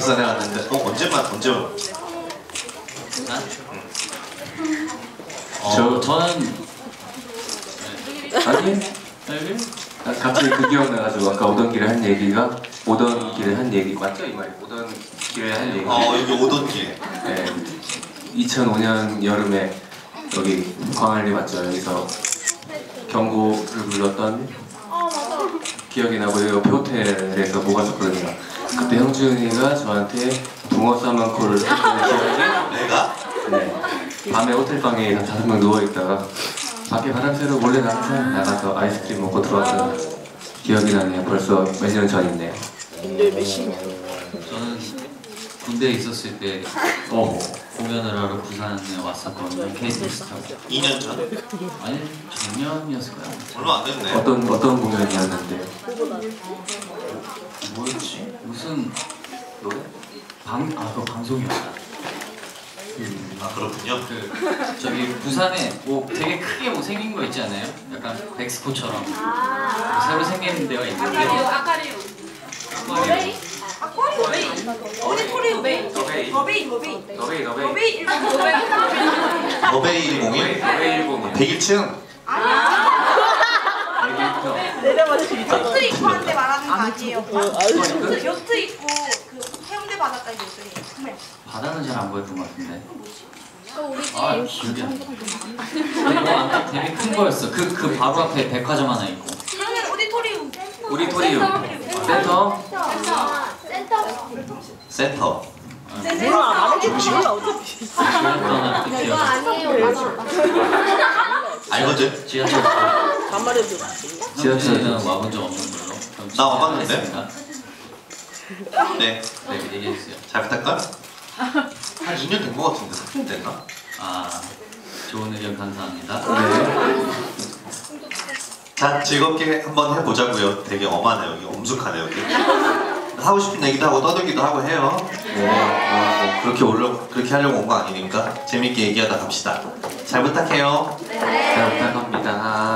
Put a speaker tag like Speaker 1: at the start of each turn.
Speaker 1: 부산에 갔는데 언제만?
Speaker 2: 저는
Speaker 3: 아니 갑자기 그 기억나가지고 아까 오던 길에 한 얘기가 오던 길에 한 얘기 맞죠 이 말이? 오던 길에 한 얘기.
Speaker 1: 여기 오던 길.
Speaker 3: 네. 2005년 여름에 여기 광안리 맞죠? 여기서 경고를 불렀던 기억이 나고 옆에 호텔에서 모았었거든요. 그때 형준이가 저한테 붕어 싸만코를 했던 기억이.
Speaker 1: 내가?
Speaker 3: 네. 밤에 호텔방에 5명 누워있다가 밖에 바람 쐬러 몰래 나가서 아이스크림 먹고 들어왔던 기억이 나네요. 벌써 몇 년 전인데요.
Speaker 2: 저는 군대에 있었을 때 공연을 하러 부산에 왔었거든요. KTX 타고.
Speaker 1: 2년 전?
Speaker 2: 아니 작년이었을 거야.
Speaker 1: 얼마 안 됐네.
Speaker 3: 어떤 공연이었는데?
Speaker 1: 뭐였지?
Speaker 2: 무슨 노래? 그거 방송이었다.
Speaker 1: 그렇군요.
Speaker 2: 저기 부산에 뭐 되게 크게 뭐 생긴 거 있지 않아요? 약간 백스코처럼 새로 생긴 데가 있는데.
Speaker 4: 아카리움. 오디토리움 베이. 더베이.
Speaker 1: 더베이 101? 101층?
Speaker 4: 요트 입고 한데 말하는 거 아니에요? 요트 입고 그 해운대 바닷가 요트.
Speaker 2: 바다는 잘 안 보였던 것 같은데. 기억이 안 나. 되게 큰 거였어. 그 바로 앞에 백화점 하나 있고.
Speaker 4: 그러면
Speaker 3: 오디토리움
Speaker 1: 센터.
Speaker 2: 그거 아니에요.
Speaker 1: 알거든?
Speaker 2: 지하철.
Speaker 3: 지하철은
Speaker 2: 와본 적 없는 걸로.
Speaker 1: 나 와봤는데? 네.
Speaker 2: 얘기해주세요.
Speaker 1: 잘 부탁할까? 한 2년 된 거 같은데 3년 됐나?
Speaker 2: 좋은 의견 감사합니다.
Speaker 3: 네.
Speaker 1: 자, 즐겁게 한번 해보자고요. 되게 엄하네 여기, 엄숙하네 여기. 하고 싶은 얘기도 하고 떠들기도 하고 해요. 네. 그렇게 하려고 온 거 아니니까 재밌게 얘기하다 갑시다. 잘 부탁해요.
Speaker 3: 잘 부탁합니다.